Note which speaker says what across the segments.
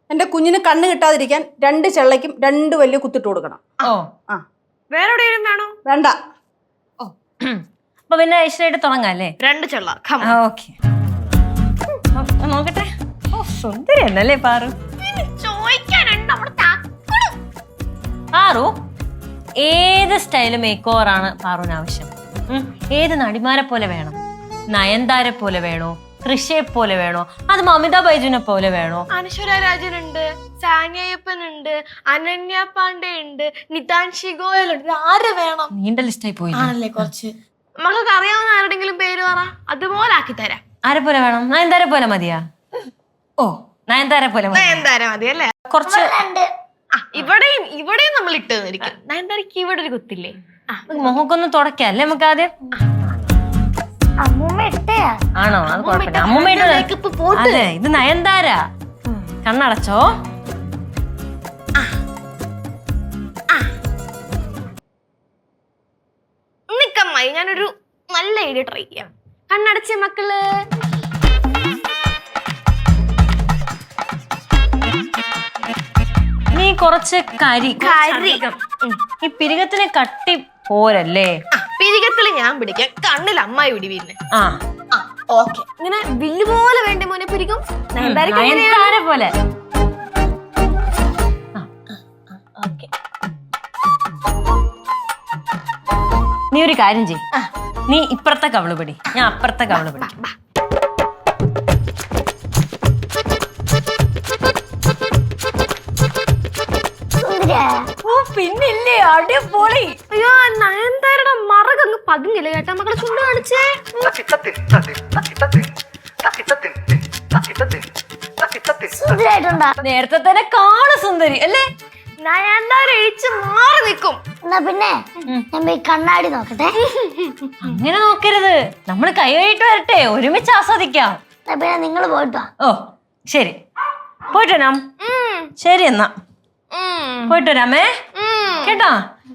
Speaker 1: എന്റെ കുഞ്ഞിന് കണ്ണ് കിട്ടാതിരിക്കാൻ 2 ചെള്ളയ്ക്കും 2 വലിയ കുത്തിട്ട് കൊടുക്കണം.
Speaker 2: ഓ
Speaker 1: ആ
Speaker 3: വേറെ എവിടെയും വേണോ?
Speaker 1: വേണ്ട.
Speaker 2: ഓ അപ്പൊ പിന്നെ ഐശ്വര്യായിട്ട് തുടങ്ങാം അല്ലേ?
Speaker 3: 2 ചെള്ള.
Speaker 2: ഓക്കെ നോക്കട്ടെ. ഓ സുന്ദരി എന്നല്ലേ പാറു. പാറു ഏത് സ്റ്റൈല് മേക്ക് ഓവർ ആണ് പാറുവിന് ആവശ്യം? ഏത് നടിമാരെ പോലെ വേണം? നയൻതാരെ പോലെ വേണോ? കൃഷിയെ പോലെ വേണോ? അത് മമിത ബൈജുനെ പോലെ വേണോ?
Speaker 3: അനശ്വര രാജനുണ്ട്, സാനിയപ്പനുണ്ട്, അനന്യ പാണ്ഡെ ഉണ്ട്, നിതാൻഷി ഗോയൽ ഉണ്ട്. ആര് വേണം?
Speaker 2: നീണ്ട ലിസ്റ്റായി പോയി
Speaker 3: ആണല്ലേ കുറച്ച്. മക്കൾക്ക് അറിയാവുന്ന ആരുടെങ്കിലും പേര് പറ, അതുപോലെ ആക്കി തരാം.
Speaker 2: ആരെ പോലെ വേണം? നയൻതാരെ പോലെ മതിയാ? ഓ നയൻതാരെ പോലെ മതി.
Speaker 3: നയൻതാര മതി അല്ലേ?
Speaker 2: കുറച്ച്
Speaker 3: ഇവിടെയും നമ്മൾ ഇട്ട് തന്നിരിക്കും. നയൻതാരക്ക് ഇവിടെ ഒരു കുത്തില്ലേ?
Speaker 2: മുഖക്കൊന്ന് തുടക്കാം അല്ലേ നമുക്ക് ആദ്യം? ആണോ? അത് കുഴപ്പമില്ല. അമ്മൂമ്മ അതെ ഇത് നയൻതാര. കണ്ണടച്ചോ.
Speaker 3: നിക്കമ്മായി ഞാനൊരു നല്ല ഐഡിയ ട്രൈ ചെയ്യാം. കണ്ണടച്ച മക്കള്.
Speaker 2: നീ കുറച്ച് കരി ഈ പിരികത്തിന് കട്ടി പോരല്ലേ?
Speaker 3: പിരികത്തില് ഞാൻ പിടിക്കാം, കണ്ണിൽ അമ്മായി പിടി. പിന്നെ ഓക്കെ ഇങ്ങനെ വില്ല് പോലെ വേണ്ട മോനെ പിരിക്കും.
Speaker 2: നയൻതാര പോലെ. നീ ഒരു കാര്യം ചെയ്, നീ ഇപ്പുറത്തെ കവള് പിടി, ഞാൻ അപ്പുറത്തെ കവള് പിടി. ഓ പിന്നില്ലേ അടിപൊളി.
Speaker 3: അയ്യോ നയൻതാരയുടെ മറകങ്ങ് പതിഞ്ഞില്ല കേട്ടാ മക്കളെ. ചുണ്ട് കാണിച്ചേ.
Speaker 2: നേരത്തെ തന്നെ കാണു സുന്ദരി അല്ലേ?
Speaker 3: നയൻതാര എഴിച്ച് മാറി നിൽക്കും.
Speaker 4: എന്നാ പിന്നെ ഞാൻ പോയി കണ്ണാടി നോക്കട്ടെ.
Speaker 2: അങ്ങനെ നോക്കരുത്, നമ്മള് കൈ കഴിയിട്ട് വരട്ടെ, ഒരുമിച്ച് ആസ്വദിക്കാം.
Speaker 4: എന്നാ പിന്നെ നിങ്ങൾ പോയിട്ടോ.
Speaker 2: ഓ ശരി പോയിട്ട് വരാം. ശരി എന്നാ പോയിട്ട് വരാമേ കേട്ടോ.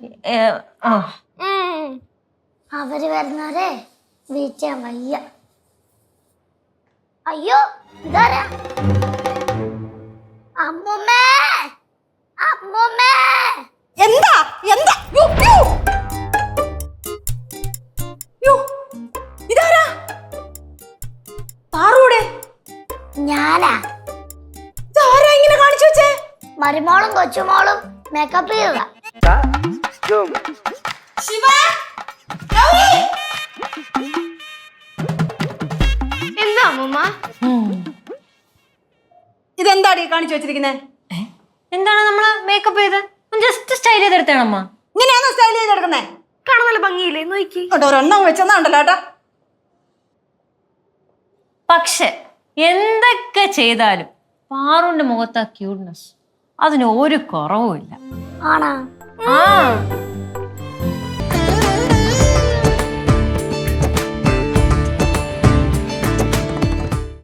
Speaker 4: അവര് വരുന്നവരെ വെയിറ്റ് ചെയ്യാൻ വയ്യ. അയ്യോ ഇതാരാ? അമ്മൂമ്മേ, അമ്മൂമ്മേ.
Speaker 1: എന്താ എന്താ? ഇതാരാ? പാറൂടെ?
Speaker 4: ഞാനാ.
Speaker 1: ഇതാരാ ഇങ്ങനെ കാണിച്ചു വെച്ചേ?
Speaker 4: മരുമോളും കൊച്ചുമോളും മേക്കപ്പ് ചെയ്തതാ.
Speaker 3: എന്താ അമ്മൂമ്മ?
Speaker 1: ഇതെന്താടി കാണിച്ചു വെച്ചിരിക്കുന്നേ?
Speaker 2: എന്താണ് നമ്മള് മേക്കപ്പ് ചെയ്ത് ജസ്റ്റ് സ്റ്റൈൽ ചെയ്തെടുത്തണമ്മ.
Speaker 1: ഇങ്ങനെയാണോ സ്റ്റൈൽ ചെയ്തെടുക്കുന്നേ?
Speaker 3: കാണാൻ നല്ല ഭംഗിയില്ലേ? നോക്കി
Speaker 1: ഒരെണ്ണം വെച്ചെന്നാണ്ടല്ലോ ഏട്ടാ.
Speaker 2: പക്ഷെ എന്തൊക്കെ ചെയ്താലും പാറുവിന്റെ മുഖത്ത് ആ ക്യൂട്ട്നെസ് അതിന് ഒരു കുറവുമില്ല.
Speaker 4: ആണാ?
Speaker 2: ആ